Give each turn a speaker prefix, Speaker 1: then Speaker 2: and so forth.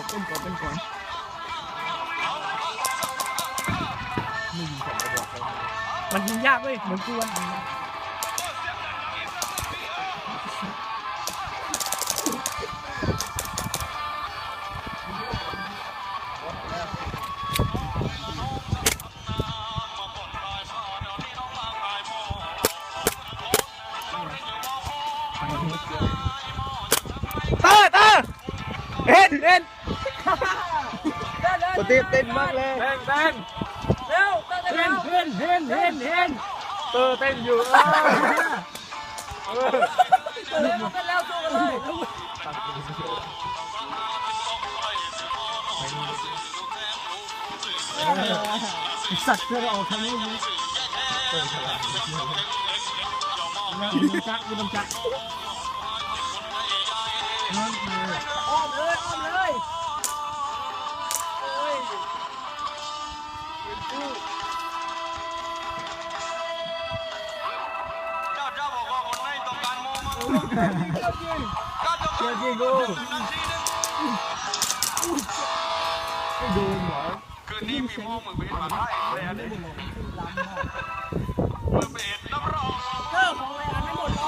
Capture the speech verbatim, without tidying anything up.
Speaker 1: เป็นก่อนเป็นก่อนไม่ยิงสองกระบอกเลยมันยิงยากเว้ยเหมือนกวนตาตาเห็นเห็นปฏิเต้นมากเลยเต้นเต้นเร็วเต้นเห็นเห็นเห็นเห็นเตอเต้นอยู่เออเร็วกันแล้วสู้กันเลยสัตว์เพื่อเราทำให้รู้เปิดฉลาดไม่ต้องจักไม่ต้องจักอ้อมเลยอ้อมเลยเฮ้ย
Speaker 2: เจ้าเจ้าบอกว่าคนไม่ต้องการโมมา
Speaker 1: เจ้าจริงเจ้าจริงกูไม่โดนหรอ
Speaker 2: คืนนี้มีโมมึงไปมาไทยเลยอันนี้
Speaker 1: ล้ำมาก
Speaker 2: เมื่อเป็ดน้ำร้อน
Speaker 1: เจ้าของอะไรอันไม่หมด